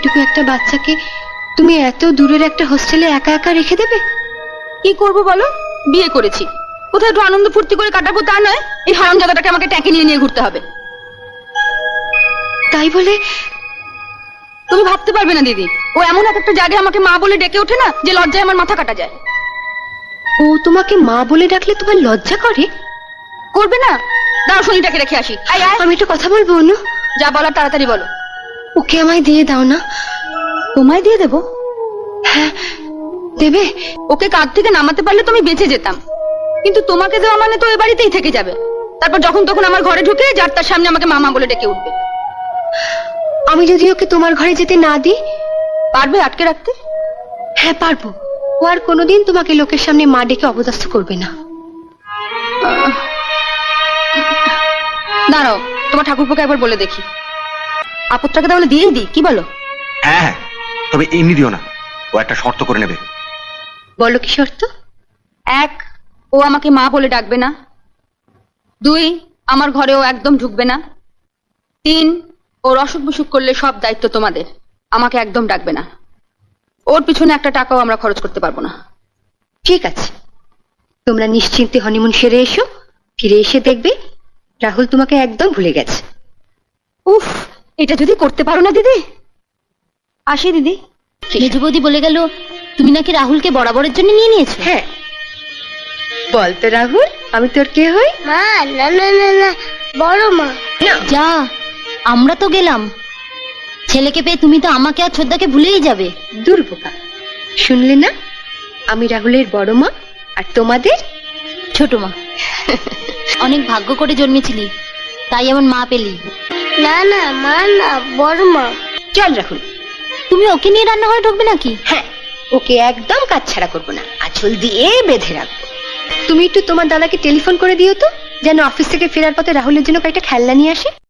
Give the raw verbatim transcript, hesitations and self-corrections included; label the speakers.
Speaker 1: এইটুকু একটা বাচ্চাকে তুমি এত দূরের একটা হোস্টেলে একা একা রেখে দেবে?
Speaker 2: কি করব বলো, বিয়ে করেছি, কোথায় একটু আনন্দ ফুর্তি করে কাটাবো তা নয়, এই হারামজাদাটাকে আমাকে ট্যাঁকে নিয়ে নিয়ে ঘুরতে হবে।
Speaker 1: তাই বলে
Speaker 2: তুমি ভাবতে পারবে না দিদি, ও এমন এক একটা জায়গায় আমাকে মা বলে ডেকে ওঠে না যে লজ্জায় আমার মাথা কাটা যায়।
Speaker 1: ও তোমাকে মা বলে ডাকলে তোমার লজ্জা করে?
Speaker 2: করবে না? দাঁড়াও শনিটাকে রেখে আসি। আয় আয়,
Speaker 1: আমি একটু কথা বলবো অনু।
Speaker 2: যা বলার তাড়াতাড়ি বলো।
Speaker 1: ওকে আমায় দিয়ে দাও না।
Speaker 2: তোমায় দিয়ে দেবো?
Speaker 1: হ্যাঁ দেবে।
Speaker 2: ওকে কাঁধ থেকে নামাতে পারলে তুমি বেঁচে যেতাম, কিন্তু তোমাকে দেওয়া মানে তো এ বাড়িতেই থেকে যাবে। তারপর যখন তখন আমার ঘরে ঢুকে যার তার সামনে আমাকে মামা বলে ডেকে উঠবে।
Speaker 1: আমি যদি ওকে তোমার ঘরে যেতে না দিই?
Speaker 2: পারবে আটকে রাখতে?
Speaker 1: হ্যাঁ পারবো। ও আর কোনোদিন তোমাকে লোকের সামনে মা ডেকে অপদস্থ করবে না।
Speaker 2: দাঁড়াও, তোমার ঠাকুরপোকে একবার বলে দেখি। আপদটাকে তাহলে দিয়েই দিই, কি বলো?
Speaker 3: হ্যাঁ হ্যাঁ, তবে এমনি দিও না, ও একটা শর্ত করে নেবে।
Speaker 1: বলো কি শর্ত?
Speaker 2: এক, ও আমাকে মা বলে ডাকবে না। দুই, আমার ঘরে ও একদম ঢুকবে না। তিন, ওর অসুখ বিসুখ করলে সব দায়িত্ব তোমাদের, আমাকে একদম ডাকবে না। ওর পিছনে একটা টাকাও আমরা খরচ করতে পারবো না।
Speaker 1: ঠিক আছে, তোমরা নিশ্চিন্তে হনিমুন সেরে এসো। ফিরে এসে দেখবে রাহুল তোমাকে একদম ভুলে গেছে।
Speaker 2: উফ, এটা যদি করতে পারো না দিদি। আসি দিদি।
Speaker 4: মেজ বৌদি বলে গেল তুমি নাকি রাহুলকে বরাবরের জন্য নিয়ে নিয়েছো।
Speaker 1: হ্যাঁ, বল তো রাহুল, আমি তোর কে হই?
Speaker 5: মা না না না না, বড় মা।
Speaker 1: না,
Speaker 4: যা, আমরা তো গেলাম। ছেলেকে পেয়ে তুমি তো আমাকে আর ছোদ্দাকে ভুলেই যাবে।
Speaker 1: দুর্বোকা, শুনলে না? আমি রাহুলের বড় মা আর তোমাদের
Speaker 4: ছোট মা। অনেক ভাগ্য করে জন্মেছিলি, তাই এমন মা পেলি।
Speaker 5: না না মা না, বড় মা।
Speaker 1: চল রাহুল।
Speaker 4: তুমি ওকে নিয়ে রান্নাঘরে ঢুকবে নাকি?
Speaker 1: হ্যাঁ, ওকে একদম কাজ ছাড়া করবো না, আঁচল দিয়ে বেঁধে রাখবো। তুমি একটু তোমার দাদাকে টেলিফোন করে দিও তো, যেন অফিস থেকে ফেরার পথে রাহুলের জন্য কয়েকটা খেলনা নিয়ে আসে।